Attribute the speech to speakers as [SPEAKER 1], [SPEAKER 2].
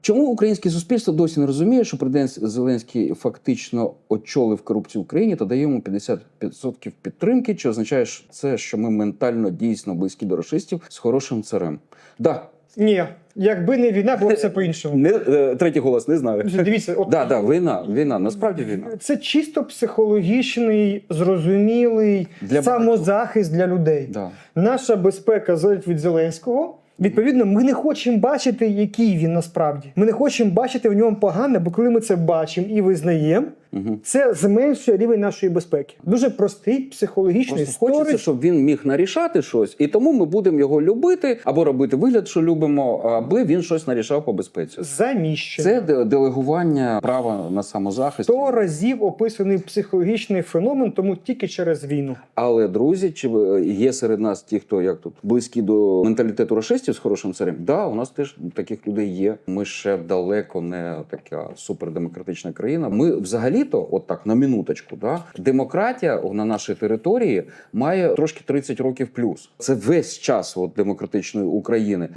[SPEAKER 1] Чому українське суспільство досі не розуміє, що президент Зеленський фактично очолив корупцію в Україні та дає йому 50% підтримки? Чи означає це, що ми ментально дійсно близькі до рашистів з хорошим царем? Да.
[SPEAKER 2] Ні, якби не війна, було б все по-іншому.
[SPEAKER 1] Третій голос, не знаю.
[SPEAKER 2] Дивіться, от
[SPEAKER 1] Війна, насправді війна.
[SPEAKER 2] це чисто психологічний, зрозумілий самозахист для людей.
[SPEAKER 1] Да.
[SPEAKER 2] Наша безпека залежить від Зеленського. Відповідно, ми не хочемо бачити, який він насправді. Ми не хочемо бачити в ньому погане, бо коли ми це бачимо і визнаємо, це зменшує рівень нашої безпеки. Дуже простий психологічний
[SPEAKER 1] Просто хочеться, щоб він міг нарішати щось, і тому ми будемо його любити, або робити вигляд, що любимо, аби він щось нарішав по безпеці.
[SPEAKER 2] Заміщення.
[SPEAKER 1] Це делегування права на самозахист.
[SPEAKER 2] 100 разів описаний психологічний феномен, тому тільки через війну.
[SPEAKER 1] Але, друзі, чи є серед нас ті, хто як тут близькі до менталітету рашистів з хорошим царем? Да, у нас теж таких людей є. Ми ще далеко не така супердемократична країна. Ми взагалі-то, от так, на минуточку, да, демократія на нашій території має трошки 30 років плюс. Це весь час от демократичної України.